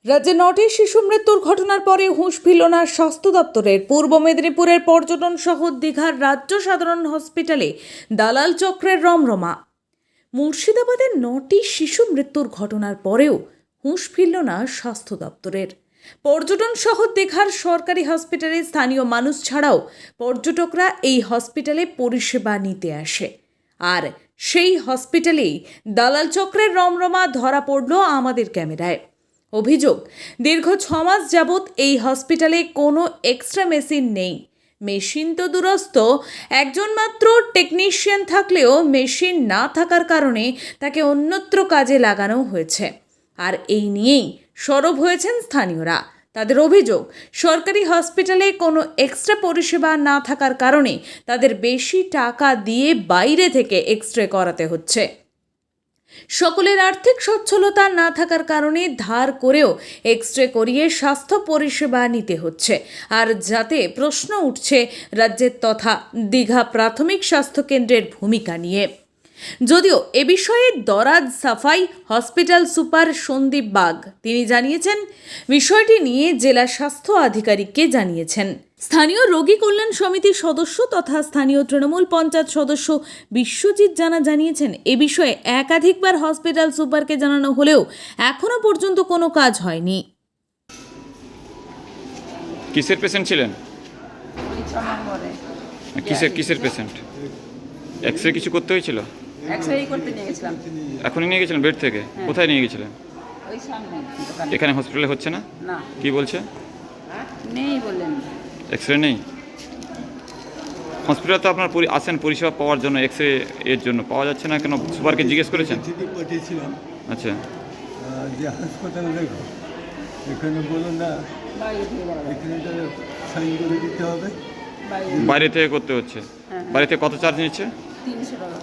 রাজ্যে ৯টি শিশু মৃত্যুর ঘটনার পরে হুঁশ ফিরল না স্বাস্থ্য দপ্তরের। পূর্ব মেদিনীপুরের পর্যটন শহর দীঘার রাজ্য সাধারণ হসপিটালে দালাল চক্রের রমরমা। মুর্শিদাবাদের ৯টি শিশু মৃত্যুর ঘটনার পরেও হুঁশ ফিরল না স্বাস্থ্য দপ্তরের। পর্যটন শহর দীঘার সরকারি হসপিটালে স্থানীয় মানুষ ছাড়াও পর্যটকরা এই হসপিটালে পরিষেবা নিতে আসে। আর সেই হসপিটালেই দালাল চক্রের রমরমা ধরা পড়ল আমাদের ক্যামেরায়। অভিযোগ, দীর্ঘ ৬ মাস যাবৎ এই হসপিটালে কোনো এক্সট্রা মেশিন নেই। মেশিন তো দূরস্থ, একজন মাত্র টেকনিশিয়ান থাকলেও মেশিন না থাকার কারণে তাকে অন্যত্র কাজে লাগানো হয়েছে। আর এই নিয়েই সরব হয়েছেন স্থানীয়রা। তাদের অভিযোগ, সরকারি হসপিটালে কোনো এক্সট্রা পরিষেবা না থাকার কারণে তাদের বেশি টাকা দিয়ে বাইরে থেকে এক্স-রে করাতে হচ্ছে। সকলের আর্থিক সচ্ছলতা না থাকার কারণে ধার করেও এক্স-রে করিয়ে স্বাস্থ্য পরিষেবা নিতে হচ্ছে। আর যাতে প্রশ্ন উঠছে রাজ্যের তথা দীঘা প্রাথমিক স্বাস্থ্যকেন্দ্রের ভূমিকা নিয়ে। যদিও এ বিষয়ে দরাজ সাফাই হসপিটাল সুপার সন্দীপ বাগ তিনি জানিয়েছেন, বিষয়টি নিয়ে জেলা স্বাস্থ্য আধিকারিককে জানিয়েছেন। স্থানীয় রোগী কল্যাণ সমিতির সদস্য তথা স্থানীয় তৃণমূল পঞ্চায়েত সদস্য বিশ্বজিৎ জানা জানিয়েছেন, এ বিষয়ে একাধিকবার হসপিটাল সুপারকে জানানো হলেও এখনো পর্যন্ত কোনো কাজ হয়নি। কিসের পেশেন্ট ছিলেন? কিসের পেশেন্ট? এক্স-রে কিছু করতে হয়েছিল? এক্স-রে করতে নিয়ে গেছিলাম। এখনই নিয়ে গেছিলেন বেড থেকে? কোথায় নিয়ে গেছিলেন? ওই সামনে দোকানে। এখানে হসপিটালে হচ্ছে না? না, কি বলছে? নেই বললেন। এক্স-রে নেই? হসপিটালে তো আপনার আসেন পরিষেবা পাওয়ার জন্য, এক্স-রে এর জন্য পাওয়া যাচ্ছে না কেন? সুপারকে জিজ্ঞেস করেছেন? চিঠি পাঠিয়েছিলাম আচ্ছা, যে হাসপাতালে দেখো, এখানে বলো না, বাইরে থেকে যাওয়া যাবে। এখানে সাইন করে দিতে হবে। বাইরে থেকে করতে হচ্ছে। বাইরে থেকে কত চার্জ নিচ্ছে? 300 টাকা।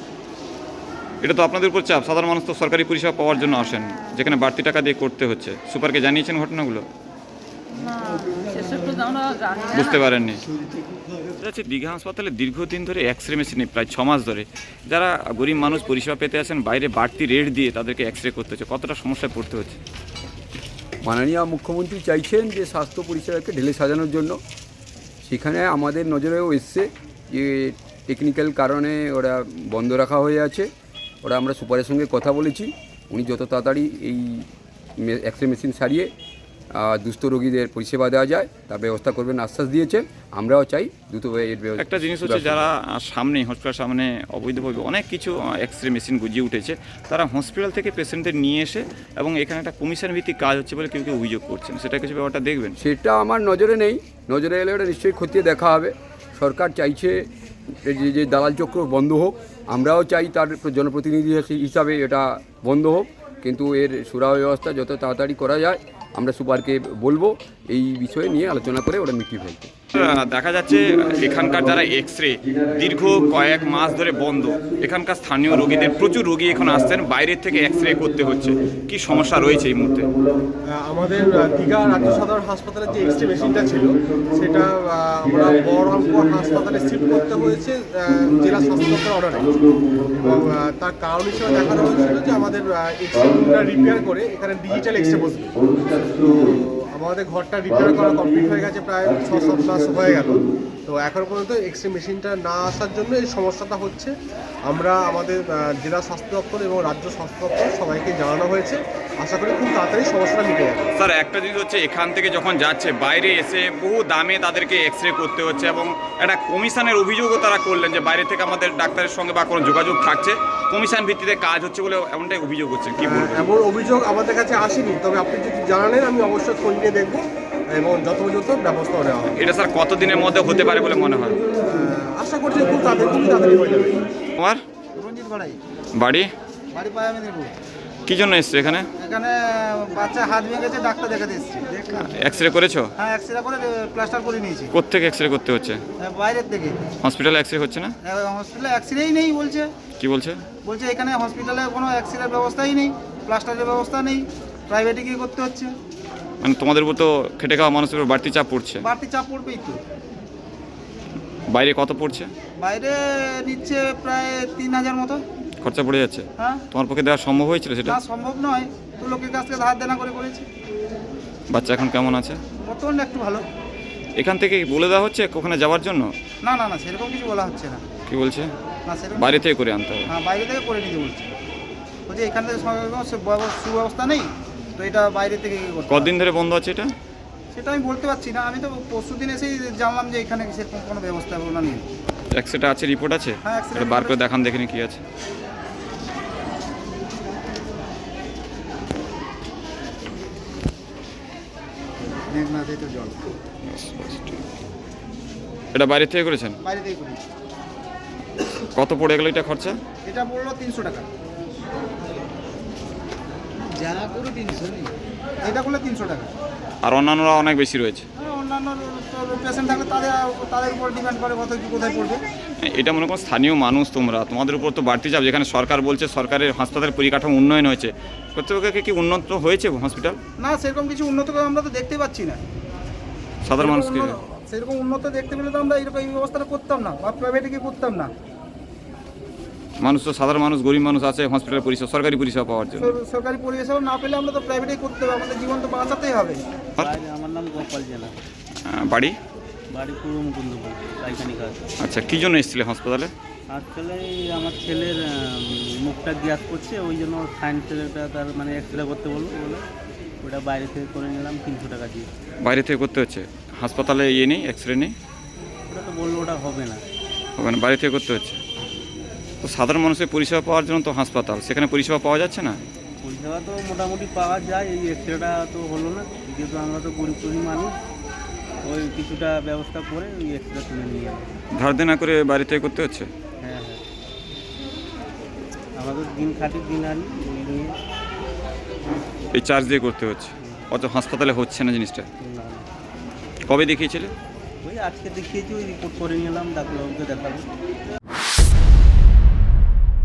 এটা তো আপনাদের উপর চাপ। সাধারণ মানুষ তো সরকারি পরিষেবা পাওয়ার জন্য আসেন, যেখানে বাড়তি টাকা দিয়ে করতে হচ্ছে। সুপারকে জানিয়েছেন ঘটনাগুলো? না, সেসব তো আমরা জানি না। বুঝতে পারেননি। যাচ্ছে দীঘা হাসপাতালে দীর্ঘদিন ধরে এক্স-রে মেশিন নেই, প্রায় 6 মাস ধরে। যারা গরিব মানুষ পরিষেবা পেতে আসেন, বাইরে বাড়তি রেট দিয়ে তাদেরকে এক্স-রে করতে হচ্ছে। কতটা সমস্যায় পড়তে হচ্ছে? মাননীয় মুখ্যমন্ত্রী চাইছেন যে স্বাস্থ্য পরিষেবাকে ঢেলে সাজানোর জন্য। সেখানে আমাদের নজরেও এসছে যে টেকনিক্যাল কারণে ওরা বন্ধ রাখা হয়ে আছে। ওরা আমরা সুপারের সঙ্গে কথা বলেছি, উনি যত তাড়াতাড়ি এই এক্স-রে মেশিন সারিয়ে দুস্থ রোগীদের পরিষেবা দেওয়া যায় তার ব্যবস্থা করবেন আশ্বাস দিয়েছেন। আমরাও চাই দ্রুত এর ব্যবস্থা। একটা জিনিস হচ্ছে, যারা সামনে হসপিটাল সামনে অবৈধভাবে অনেক কিছু এক্স-রে মেশিন গুজিয়ে উঠেছে, তারা হসপিটাল থেকে পেশেন্টদের নিয়ে এসে এবং এখানে একটা কমিশন ভিত্তিক কাজ হচ্ছে বলে কেউ কেউ অভিযোগ করছেন। সেটা কিছু ব্যাপারটা দেখবেন? সেটা আমার নজরে নেই, নজরে এলে ওটা নিশ্চয়ই খতিয়ে দেখা হবে। সরকার চাইছে যে দালাল চক্র বন্ধ হোক, আমরাও চাই তার জনপ্রতিনিধি হিসাবে এটা বন্ধ হোক, কিন্তু এর সুরাহা ব্যবস্থা যত তাড়াতাড়ি করা যায় আমরা সুপারকে বলবো এই বিষয়ে নিয়ে আলোচনা করে ওটা মিটিয়ে ফেলতে। দেখা যাচ্ছে এখানকার যারা এক্স-রে দীর্ঘ কয়েক মাস ধরে বন্ধ। এখানকার স্থানীয় রোগীদের প্রচুর রোগী এখন আসছেন, বাইরের থেকে এক্স-রে করতে হচ্ছে। কি সমস্যা রয়েছে এই মুহূর্তে? আমাদের দীঘা রাজ্য সাধারণ হাসপাতালে যে এক্স-রে মেশিনটা ছিল সেটা আমরা বহরমপুর হাসপাতালে শিফট করতে হয়েছে জেলা স্বাস্থ্য দপ্তরের অর্ডারে। এবং তার কারণ হিসেবে দেখানো হয়েছিল যে আমাদের এক্স-রে রুমটা রিপেয়ার করে এখানে ডিজিটাল এক্স-রে বসবে। তো আমাদের ঘরটা রিপেয়ার করা কমপ্লিট হয়ে গেছে, প্রায় 6-7 মাস হয়ে গেল। তো এখন পর্যন্ত এক্স-রে মেশিনটা না আসার জন্য এই সমস্যাটা হচ্ছে। আমরা আমাদের জেলা স্বাস্থ্য দপ্তর এবং রাজ্য স্বাস্থ্য দপ্তর সবাইকে জানানো হয়েছে, আশা করি খুব তাড়াতাড়ি সমস্যাটা মিটে যাবে। স্যার, একটা জিনিস হচ্ছে, এখান থেকে যখন যাচ্ছে বাইরে এসে বহু দামে তাদেরকে এক্স-রে করতে হচ্ছে এবং একটা কমিশনের অভিযোগও তারা করলেন যে বাইরে থেকে আমাদের ডাক্তারের সঙ্গে বা কোনো যোগাযোগ থাকছে, কমিশন ভিত্তিতে কাজ হচ্ছে বলে এমনটাই অভিযোগ হচ্ছে। কি বলবো? এমন অভিযোগ আমাদের কাছে আসেনি, তবে আপনি যদি জানালেন আমি অবশ্যই খোঁজ নিয়ে দেখবো এবং যথোপযুক্ত ব্যবস্থা নেওয়া হবে। এটা স্যার কতদিনের মধ্যে হতে পারে বলে মনে হয়? আশা করছি খুব তাড়াতাড়ি হয়ে যাবে। তোমার রঞ্জিত গড়াই, বাড়ি? বাড়ি পায়া মেদিনীপুর। কি জন্য এসছো এখানে? এখানে বাচ্চা হাত ভেঙে গেছে, ডাক্তার দেখাতে এসেছি। এক্স-রে করেছো? হ্যাঁ, এক্সরে করে প্লাস্টার করে নিয়েছি। কোত্থেকে এক্স-রে করতে হচ্ছে? বাইরের থেকে। হসপিটালে এক্স-রে হচ্ছে না? হসপিটালে এক্সরেই নেই বলছে। কি বলছে? বলছে এখানে হসপিটালে কোনো এক্সরের ব্যবস্থাই নেই, প্লাস্টারের ব্যবস্থা নেই, প্রাইভেটে গিয়ে করতে হচ্ছে। মানে তোমাদের উপর তো খেটে খাওয়া মানুষের উপর বাড়তি চাপ পড়ছে। বাড়তি চাপ পড়বেই তো। বাইরে কত পড়ছে? বাইরে নিচ্ছে প্রায় 3000 মতো খরচা পড়ে যাচ্ছে। হ্যাঁ, তোমার পক্ষে দেওয়া সম্ভব হয়েছিল সেটা? না সম্ভব নয়, তো লোকের কাছ থেকে ধার দেনা করে করেছে। বাচ্চা এখন কেমন আছে? বর্তমানে একটু ভালো। এখান থেকে বলে দেওয়া হচ্ছে ওখানে যাওয়ার জন্য? না না না, সেরকম কিছু বলা হচ্ছে না। কি বলছে? না সেরকম বাইরে থেকে করে আনতে হবে। হ্যাঁ, বাইরে থেকে করে নিতে বলছে। বলছে এখান থেকে সুব্যবস্থা নেই, তো এটা বাইরে থেকে করতে হবে। কতদিন ধরে বন্ধ আছে এটা? সেটা আমি বলতে পারছি না, আমি তো পরশু দিন এসেই জানলাম যে এখানে সেরকম কোনো ব্যবস্থা নেই। এক্সরেটা আছে, রিপোর্ট আছে? হ্যাঁ, X-ray এটা বার report করে আছে। দেখান, দেখিনি কি আছে। জল এটা বাইরে থেকে করেছেন? বাইরে থেকে করি। কত পড়ে গেল এটা খরচা? এটা বললো 300 টাকা। এটা করলে 300 টাকা। আর অন্যান্যরা অনেক বেশি রয়েছে। হ্যাঁ, অন্যান্য পেশেন্ট থাকলে তাদের উপর ডিপেন্ড করে কত কি কোথায় পড়বে। এটা মনে করো স্থানীয় মানুষ, তোমাদের উপর তো বাড়তি চাপ। যেখানে সরকার বলছে সরকারের হাসপাতালের পরিকাঠামো উন্নয়ন হয়েছে, কর্তৃপক্ষকে কি উন্নত হয়েছে হসপিটাল? না, সেরকম কিছু উন্নত করে আমরা তো দেখতে পাচ্ছি না। সাধারণ মানুষকে সেরকম উন্নত দেখতে পেলে তো আমরা এরকম এই ব্যবস্থাটা করতাম না, বা প্রাইভেটে গিয়ে করতাম না। মানুষ তো সাধারণ মানুষ, গরিব মানুষ আছে হসপিটাল পরিষেবা, সরকারি পরিষেবা পাওয়ার জন্য। সরকারি পরিষেবা না পেলে আমরা তো প্রাইভেটেই করতে হবে, আমাদের জীবন তো বাঁচাতেই হবে। আমার নাম গোপাল জেলা, বাড়ি? বাড়ি পূর্ব মুকুন্দপুর, পাইখানি কাজ। আচ্ছা, কী জন্য এসেছিলে হাসপাতালে? আসলে আমার ছেলের মুখটা গ্যাস করছে, ওই জন্য সায়েন্স ছেলেটা তার মানে এক্সরে করতে বলে ওটা বাইরে থেকে করে নিলাম 300 টাকা দিয়ে। বাইরে থেকে করতে হচ্ছে? হাসপাতালে ইয়ে নেই, এক্সরে নেই? ওটা তো বললো ওটা হবে না। হবে না, বাইরে থেকে করতে হচ্ছে। তো সাধারণ মানুষের পরিষেবা পাওয়ার জন্য তো হাসপাতাল, সেখানে পরিষেবা পাওয়া যাচ্ছে না? পরিষেবা তো মোটামুটি পাওয়া যায়, এই এক্সরেটা তো হলো না, যেহেতু আমরা তো গরিব মানুষ, ওই কিছুটা ব্যবস্থা করে ওই এক্সরে তুলে নিয়ে যাবো। ধার দেনা করে বাইরে থেকে করতে হচ্ছে? হ্যাঁ হ্যাঁ, আমাদের দিন খাটি দিন আনি ওই নিয়ে। এই চার্জ দিয়ে করতে হচ্ছে, অত হাসপাতালে হচ্ছে না জিনিসটা। না, কবে দেখিয়েছিলে? ওই আজকে দেখিয়েছি, ওই রিপোর্ট করে নিলাম, ডাক্তারবাবুকে দেখাবো।